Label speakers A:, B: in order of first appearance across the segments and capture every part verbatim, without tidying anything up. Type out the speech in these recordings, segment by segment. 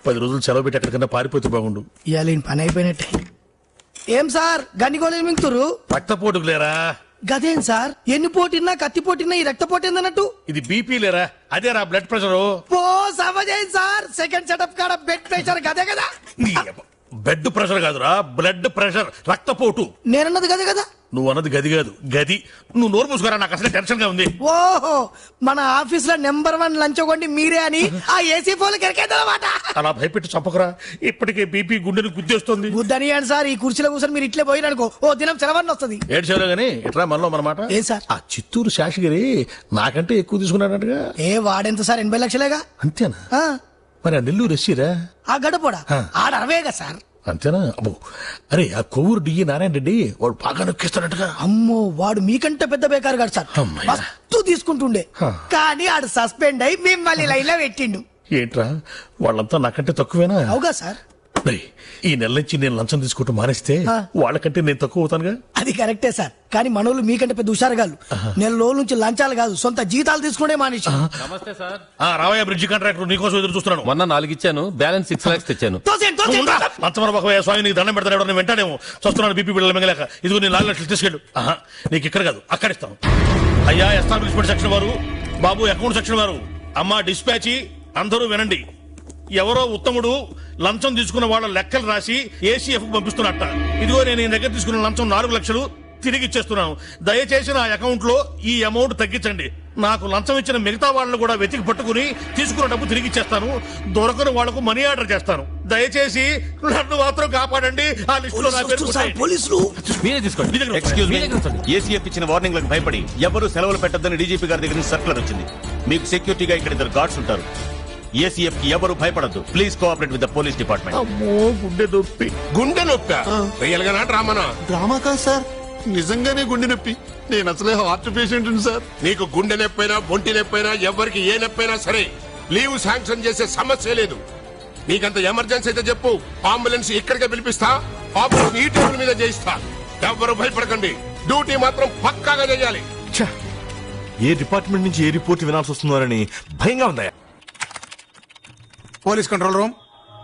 A: పది రోజులు సెలవు పెట్టి ఎక్కడికన్నా పారిపోతే బాగుండు.
B: ఇవాళ పని అయిపోయినట్టే. ఏం సార్ గన్ని గోళీలు మింగుతురు?
A: రక్తపోటుకు లేరా?
B: గదేం సార్, ఎన్ని పోటీన్నా కత్తి పోటీన్నా ఈ రక్త పోటీ ఏందన్నట్టు?
A: ఇది బీపీ లేరా? అదేరా బ్లడ్ ప్రెషర్.
B: ఓ సమజేం సార్, సెకండ్ సెటప్ కాడ బెడ్ ప్రెషర్ గదే కదా.
A: బెడ్ ప్రెషర్ కాదురా, బ్లడ్ ప్రెషర్, రక్తపోటు.
B: నేనన్నది గదే కదా.
A: నువ్వు అన్నది గది కాదు, గది. నువ్వు నోరు మూసుకోరా, నాకు అసలు టెన్షన్ గా ఉంది.
B: ఓహో, మన ఆఫీస్ లో నెంబర్ వన్ లంచ్ కొండి మీరే అని ఆ ఏసీ ఫోన్ కెరకేదన్నమాట.
A: అలా భయపెట్టి చంపకరా, ఇప్పటికే బీపీ గుండెని గుద్దేస్తుంది.
B: గుద్దని అండి సార్, ఈ కుర్చీలో కూర్చొని మీరు ఇట్లే పోయిననుకో ఓ దినం సెలవన్న వస్తుంది.
A: ఏడు సేవలో గానీ ఇట్లా మనలో మనమాట.
B: ఏ సార్,
A: ఆ చిత్తూరు శాషగిరి నాకంటే ఎక్కువ తీసుకున్నాడటగా.
B: ఏ వాడెంత సార్, ఎనభై లక్షలేగా.
A: అంతేనా?
B: ఆ.
A: మరి ఆ నెల్లూరు ఎస్సీరా?
B: ఆ గడపోడా ఆడ అరవేగా సార్.
A: అంతేనా? అబ్బో, అరే ఆ కొవ్వూరు డిఈ నారాయణ రెడ్డి వాడు బాగా నొక్కిస్తాడటగా.
B: అమ్మో, వాడు మీకంటే పెద్ద బేకారు గారు సార్, మస్తు తీసుకుంటుండే. కానీ ఆడు సస్పెండ్ అయి మిమ్మల్ని లైన్ లో పెట్టిండు.
A: ఏంట్రా వాళ్ళంతా నాకంటే తక్కువేనా?
B: అవుగా సార్.
A: ఈ నెల నుంచి నేను లంచం తీసుకోవటం మానేస్తే వాళ్ళకంటే నేను తక్కువ అవుతానుగా.
B: అది కరెక్టే సార్, కానీ మనోళ్ళు మీకంటే పెద్ద హుషారుగాళ్ళు. నెల రోజుల నుంచి లంచాలు కాదు సొంత జీతాలు తీసుకునే మానేసి.
C: నమస్తే సార్.
A: రావయ్య బ్రిడ్జి కాంట్రాక్టర్, నీకోసం ఎదురు చూస్తున్నాను.
C: మొన్న నాలుగు ఇచ్చాను, బ్యాలెన్స్ సిక్స్ లాక్స్ తెచ్చాను.
A: లంచమర స్వామి నీకు దండం పెడతాడు, వెంటనేమో చూస్తున్నాను బీపీ బిడ్డలు మింగలేక. ఇదిగో నేను నాలుగు లక్షలు తీసుకెళ్ళు. నీకు ఇక్కడ కాదు అక్కడ ఇస్తాను. అయ్యా ఎస్టాబ్లిష్మెంట్ సెక్షన్ వారు, బాబు అకౌంట్ సెక్షన్ వారు, అమ్మా డిస్పాచి, అందరూ వినండి. ఎవరో ఉత్తముడు లంచం తీసుకున్న వాళ్ళ లెక్కలు రాసి ఏసీఎఫ్ పంపిస్తున్నట్ట. ఇదిగో నేను ఈ దగ్గర తీసుకున్న లంచం నాలుగు లక్షలు తిరిగి ఇచ్చేస్తున్నాను. దయచేసి నా అకౌంట్ లో ఈ అమౌంట్ తగ్గించండి. నాకు లంచం ఇచ్చిన మిగతా వాళ్ళను కూడా వెతికి పట్టుకుని తీసుకున్న డబ్బు తిరిగి ఇచ్చేస్తాను. దొరకని వాళ్లకు మనీ ఆర్డర్ చేస్తాను. దయచేసి నన్ను మాత్రం కాపాడండి. ఆ లిస్టులో నా పేరు
B: పోలీసులు.
C: మీరే తీసుకోండి.
D: ఎక్స్క్యూజ్ మీ, ఏసీఎఫ్ ఇచ్చిన వార్నింగ్లకు భయపడి ఎవరు సెలవులు పెట్టొద్దని డీజీపీ గారి దగ్గర నుంచి సర్కులర్ వచ్చింది. మీకు సెక్యూరిటీగా ఇక్కడ ఇద్దరు గార్డ్స్ ఉంటారు. ఏసీఎఫ్ కి ఎవరు భయపడద్దు. Please cooperate with the police department.
A: అమ్మో, గుండె నొప్పి.
E: గుండె నొప్పి రియల్ గా డ్రామానా?
F: డ్రామా కాదు సార్, నిజంగానే గుండె నొప్పి. నేను అసలే హార్ట్ పేషెంట్ సార్.
E: నీకు గుండె నొప్పైనా బొంటి నొప్పైనా ఎవరికి ఏ నొప్పైనా సరే లీవ్ శాంక్షన్ చేసే సమస్య లేదు. నీకంత ఎమర్జెన్సీ అయితే చెప్పు, అంబులెన్స్ ఇక్కడికే పిలిపిస్తా. ఆపరేషన్ ఈ టేబుల్ మీద చేయిస్తా. ఎవరు భయపడకండి, డ్యూటీ మాత్రం పక్కాగా చేయాలి.
G: ఏ డిపార్ట్మెంట్ నుంచి ఏ రిపోర్ట్ వినాల్సి వస్తుందోనని భయంగా ఉందా?
F: Police control room.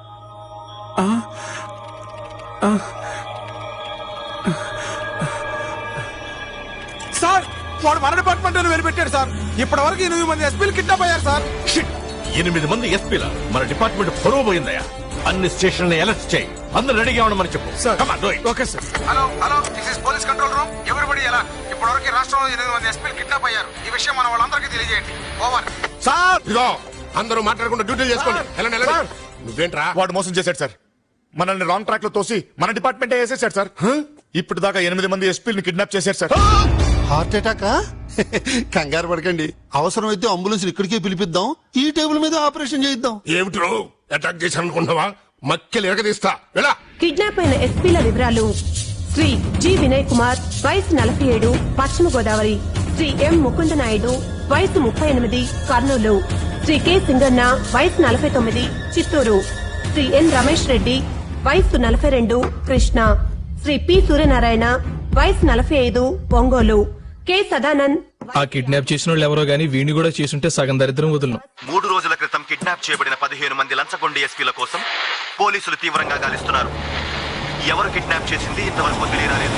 F: సార్, వాడు మన డిపార్ట్మెంట్ వెళ్ళిపెట్టాడు సార్. ఇప్పటి వరకు ఎనిమిది మంది ఎస్పీలు కిడ్నాప్ అయ్యారు సార్.
G: ఎనిమిది మంది ఎస్పీల మన డిపార్ట్మెంట్ పొరవ పోయిందయ్యా. అన్ని స్టేషన్లు అలర్ట్ చేయి. అందరూ రెడీగా ఉండమని చెప్పు.
F: Okay sir. Hello hello this is police control room. ఎవరిబడి ఎలా? ఇప్పటి వరకు రాష్ట్రంలో ఎనిమిది మంది ఎస్పీలు కిడ్నాప్ అయ్యారు. ఈ విషయం మన వాళ్ళందరికీ తెలియజేయండి. ఓవర్.
E: సార్ ఇదో అందరూ మాట్లాడకుండా డ్యూటీ చేసుకోండి. నువ్వేంట్రా?
F: వాడు మోసం చేశాడు సార్. మనల్ని రాంగ్ ట్రాక్ లో తోసి మన డిపార్ట్మెంట్ వేసేసాడు సార్. ఇప్పుడు దాకా ఎనిమిది మంది ఎస్పీలను కిడ్నాప్ చేశారు సార్. హార్ట్ అటాకా? కంగారు పడకండి, అవసరమైతే అంబులెన్స్ ఇక్కడికే పిలిపిద్దాం. ఈ టేబుల్ మీద ఆపరేషన్ చేయిద్దాం.
E: ఏమిట్రో అటాక్ చేశాను అనుకుంటున్నావా? మక్కెలు ఎరగదీస్తా. ఎలా?
H: కిడ్నాప్ అయిన ఎస్పీల వివరాలు: శ్రీ జి వినయ్ కుమార్, వయసు నలభై ఏడు, పశ్చిమ గోదావరి. శ్రీ ఎం ముకుంద నాయుడు, వయసు ముప్పై ఎనిమిది, కర్నూలు. శ్రీ కె సింగన్న, వయసు నలభై తొమ్మిది, చిత్తూరు. శ్రీ ఎన్ రమేష్ రెడ్డి, వయసు నలభై రెండు, కృష్ణ. శ్రీ పి సూర్యనారాయణ, వయసు నలభై ఐదు, ఒంగోలు. కె సదానంద్.
I: ఆ కిడ్నాప్ చేసిన వాళ్ళు ఎవరో గానీ వీణి కూడా చేసుంటే సగం దరిద్రం వదులును.
D: మూడు రోజుల క్రితం కిడ్నాప్ చేయబడిన పదిహేను మంది లంచగొండి ఎస్పీల కోసం పోలీసులు తీవ్రంగా గాలిస్తున్నారు. ఎవరు కిడ్నాప్ చేసింది ఇంతవరకు తెలియరాలేదు.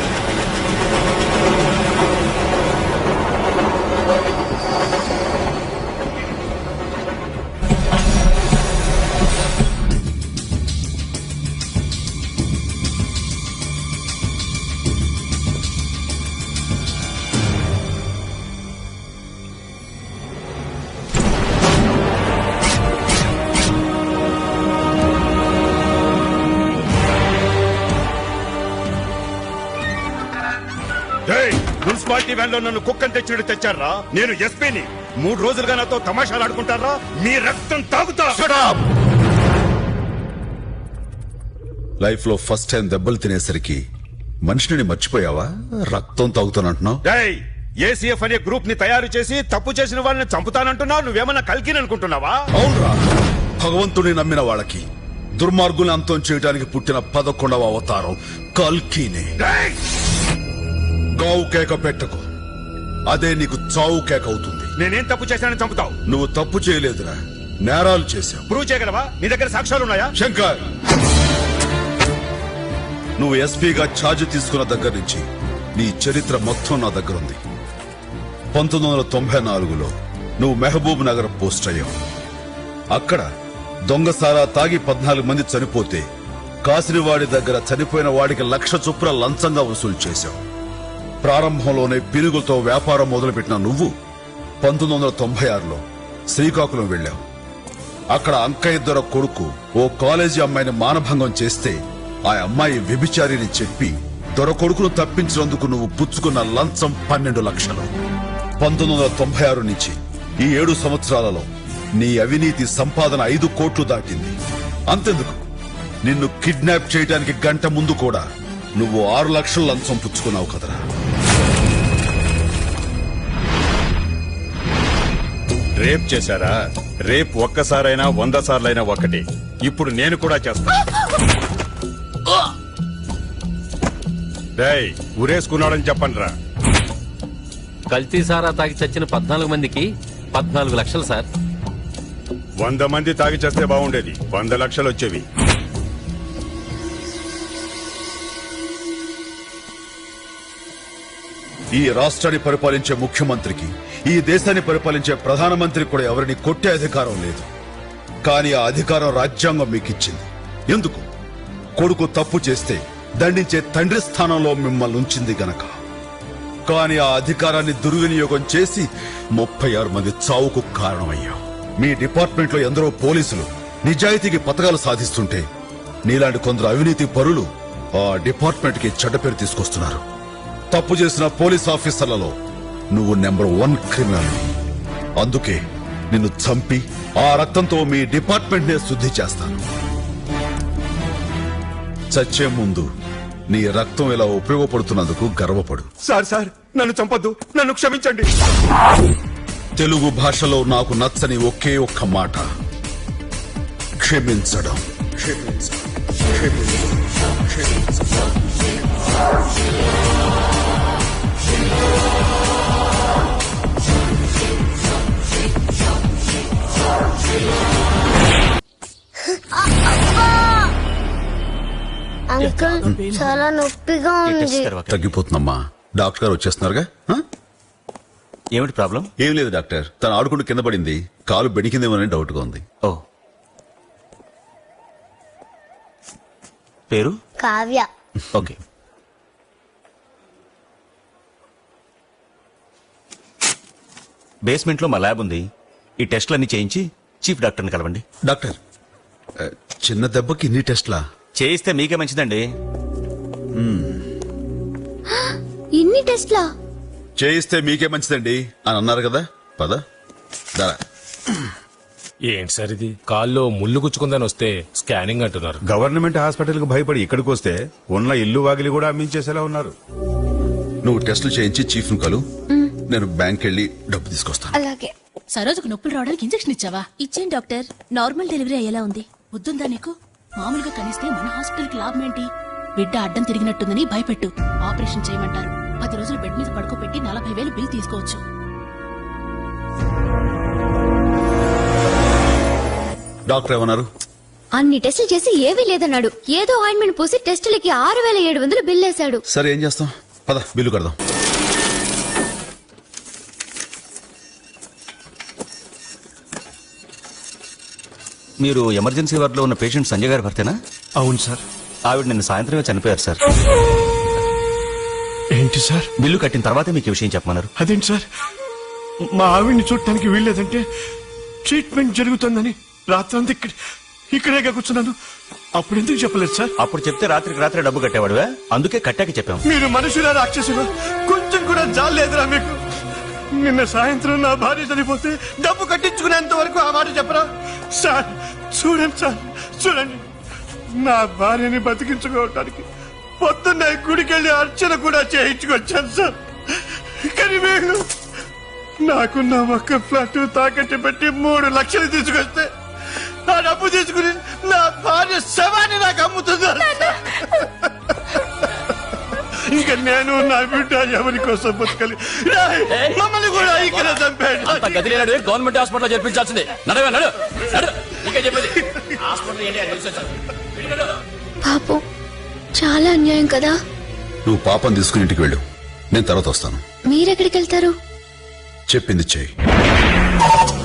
F: మున్సిపాలిటీ వ్యాన్ లో నన్ను కుక్కని తెచ్చినట్టు తెచ్చారా? నేను ఎస్పీని. మూడు రోజులుగా నాతో తమాషాలు ఆడుకుంటారా? మీ రక్తం తాగుతా.
J: లైఫ్ లో ఫస్ట్ టైం దెబ్బలు తినేసరికి మనిషిని మర్చిపోయావా? రక్తం తాగుతానంటున్నావు.
F: ఏసీఎఫ్ అనే గ్రూప్ ని తయారు చేసి తప్పు చేసిన వాళ్ళని చంపుతానంటున్నావు. నువ్వేమన్నా కల్కిని అనుకుంటున్నావా?
J: అవునరా, భగవంతుని నమ్మిన వాళ్ళకి దుర్మార్గుని అంతం చేయడానికి పుట్టిన పదకొండవ అవతారం కల్కినే. గావు కేక పెట్టకు, అదే నీకు చావు కేక అవుతుంది.
F: నేనేం తప్పు చేశానని చంపుతావు?
J: నువ్వు తప్పు చేయలేదురా, నేరాలు చేశావు.
D: ప్రూవ్ చేయగలవా? నీ దగ్గర సాక్ష్యాలు ఉన్నాయా?
J: శంకర్, నువ్వు ఎస్పీగా ఛార్జ్ తీసుకున్న దగ్గర నుంచి నీ చరిత్ర మొత్తం నా దగ్గర ఉంది. పంతొమ్మిది వందల తొంభై నాలుగులో నువ్వు మెహబూబ్ నగర్ పోస్ట్ అయ్యావు. అక్కడ దొంగసారా తాగి పద్నాలుగు మంది చనిపోతే కాసినవాడి దగ్గర చనిపోయిన వాడికి లక్ష చొప్పున లంచంగా వసూలు చేశావు. ప్రారంభంలోనే పిరుగులతో వ్యాపారం మొదలుపెట్టిన నువ్వు పంతొమ్మిది వందల తొంభై ఆరులో శ్రీకాకుళం వెళ్లావు. అక్కడ అంకయ్య దొర కొడుకు ఓ కాలేజీ అమ్మాయిని మానభంగం చేస్తే ఆ అమ్మాయి వ్యభిచారిని చెప్పి దొర కొడుకును తప్పించినందుకు నువ్వు పుచ్చుకున్న లంచం పన్నెండు లక్షలు. పంతొమ్మిది వందల తొంభై ఆరు నుంచి ఈ ఏడు సంవత్సరాలలో నీ అవినీతి సంపాదన ఐదు కోట్లు దాటింది. అంతెందుకు, నిన్ను కిడ్నాప్ చేయడానికి గంట ముందు కూడా నువ్వు ఆరు లక్షల లంచం పుచ్చుకున్నావు కదరా.
K: రేప్ చేశారా? రేప్ ఒక్కసారైనా వంద సార్లైనా ఒకటి. ఇప్పుడు నేను కూడా చేస్తా. డేయ్, ఉరేసుకున్నాడని చెప్పండి రా.
C: కల్తీ సారా తాగి చచ్చిన పద్నాలుగు మందికి పద్నాలుగు లక్షలు సార్.
K: వంద మంది తాగి చేస్తే బాగుండేది, వంద లక్షలు వచ్చేవి.
J: ఈ రాష్ట్రాన్ని పరిపాలించే ముఖ్యమంత్రికి, ఈ దేశాన్ని పరిపాలించే ప్రధానమంత్రికి కూడా ఎవరిని కొట్టే అధికారం లేదు. కానీ ఆ అధికారం రాజ్యాంగం మీకు ఇచ్చింది. ఎందుకు? కొడుకు తప్పు చేస్తే దండించే తండ్రి స్థానంలో మిమ్మల్ని ఉంచింది గనక. కానీ ఆ అధికారాన్ని దుర్వినియోగం చేసి ముప్పై ఆరు మంది చావుకు కారణమయ్యావు. మీ డిపార్ట్మెంట్ లో ఎందరో పోలీసులు నిజాయితీకి పథకాలు సాధిస్తుంటే నీలాంటి కొందరు అవినీతి పరులు ఆ డిపార్ట్మెంట్ కి చెడ్డ పేరు తీసుకొస్తున్నారు. తప్పు చేసిన పోలీస్ ఆఫీసర్లలో నువ్వు నెంబర్ వన్ క్రిమినల్. అందుకే నిన్ను చంపి ఆ రక్తంతో మీ డిపార్ట్మెంట్ నే శుద్ధి చేస్తాను. చచ్చే ముందు నీ రక్తం ఇలా ఉపయోగపడుతున్నందుకు గర్వపడు.
K: సార్ సార్ నన్ను చంపొద్దు, నన్ను క్షమించండి.
J: తెలుగు భాషలో నాకు నచ్చని ఒకే ఒక్క మాట క్షమించడం. క్షమించడం.
L: అంకుల్ చాలా నొప్పిగా ఉంది.
J: తగ్గిపోతుందమ్మా. డాక్టర్ గారు వచ్చేస్తున్నారుగా. ఆ?
D: ఏమిటి ప్రాబ్లం?
J: ఏం లేదు డాక్టర్, తను ఆడుకుంటూ కింద పడింది, కాలు బెణికిందేమోనని డౌట్ గా ఉంది.
D: ఓ, పేరు?
L: కావ్య.
D: ఓకే. బేస్మెంట్ లో మా ల్యాబ్ ఉంది. ఈ టెస్ట్లన్నీ చేయించి చీఫ్ డాక్టర్ని కలవండి.
J: డాక్టర్, చిన్న దెబ్బకి ఇన్ని టెస్ట్లా?
D: చేయిస్తే మీకే మంచిదండి.
L: ఇన్ని టెస్ట్లా?
J: చేయిస్తే మీకే మంచిదండి అని అన్నారు కదా. పద దా.
M: ఏంటి సార్ ఇది? కాల్లో ముళ్ళు గుచ్చుకుందని వస్తే స్కానింగ్ అంటున్నారు.
K: గవర్నమెంట్ హాస్పిటల్ కు భయపడి ఇక్కడికి వస్తే ఉన్న ఇల్లు వాకిలి కూడా అమ్మించేసేలా ఉన్నారు.
J: నువ్వు టెస్టులు చేయించి చీఫ్ ను కలు, నేను బ్యాంక్ వెళ్ళి డబ్బు తీసుకొస్తాను.
L: అలాగే.
N: సరోజుకు నొప్పులు రావడానికి ఇంజెక్షన్ ఇచ్చావా? ఇచ్చాను డాక్టర్. నార్మల్ డెలివరీ అయ్యేలా ఉంది. వద్దుందా నీకు? మామూలుగా కనిస్తే మన హాస్పిటల్ కి లాభం ఏంటి? బిడ్డ అడ్డం తిరిగినట్టుందని భయపెట్టు. ఆపరేషన్ చేయమంటారు. పది రోజులు బెడ్ మీద పడుకోబెట్టి నలభై వేలు బిల్ తీసుకోవచ్చు.
J: డాక్టర్ ఏమన్నారు?
L: అన్ని టెస్టులు చేసి ఏవీ లేదన్నాడు. ఏదో ఆయింట్మెంట్ పూసి టెస్టులకి ఆరు వేల ఏడు వందలు బిల్ వేశాడు.
J: సరే ఏం చేస్తాం, పద బిల్లు కడదాం.
D: మీరు ఎమర్జెన్సీ వార్డులో ఉన్న పేషెంట్ సంజయ్ గారి భర్తేనా?
M: అవును సార్.
D: ఆవిడ నిన్న సాయంత్రమే చనిపోయారు సార్.
M: ఏంటి సార్?
D: బిల్లు కట్టిన తర్వాతే మీకు విషయం చెప్పమన్నారు.
M: అదేంటి సార్? మా ఆవిడ్ని చూడటానికి వీల్లేదంటే ట్రీట్మెంట్ జరుగుతుందని రాత్రంతా ఇక్కడ ఇక్కడే కూర్చున్నాను. అప్పుడు ఎందుకు చెప్పలేదు సార్?
D: అప్పుడు చెప్తే రాత్రికి రాత్రి డబ్బు కట్టేవాడువా? అందుకే కట్టాక చెప్పాం.
M: మీరు మనుషులా రాక్షసులా? కొంచెం కూడా జాలేదురా మీకు? నిన్న సాయంత్రం నా భార్య చనిపోతే డబ్బు కట్టించుకునేంత వరకు ఆ మాట చెప్పరా సార్? చూడండి సార్, చూడండి, నా భార్యని బతికించుకోవటానికి పొద్దున్న గుడికెళ్ళి అర్చన కూడా చేయించుకొచ్చాను సార్. కానీ వీళ్ళు నాకున్న ఒక్క ఫ్లాట్ తాకట్టు పెట్టి మూడు లక్షలు తీసుకొస్తే ఆ డబ్బు తీసుకుని నా భార్య శవాన్ని నాకు అమ్ముతున్నారు. ఇంకా నేను నా బిడ్డ ఎవరి కోసం బతకాలి రాయ్, మమ్మల్ని కూడా ఇక్కడ చంపాడు.
C: అంత గది లేనాడు గవర్నమెంట్ హాస్పిటల్ చేర్పించాల్సిందే. నడవే నడు నడు ఇంకా చెప్పేది హాస్పిటల్ ఏంటి అని తెలిసి వచ్చాను. నడు.
L: పాపం చాలా అన్యాయం కదా.
J: నువ్వు పాపం తీసుకుని ఇంటికి వెళ్ళు, నేను తర్వాత వస్తాను.
L: మీరెక్కడికి వెళ్తారు?
J: చెప్పింది చెయ్యి.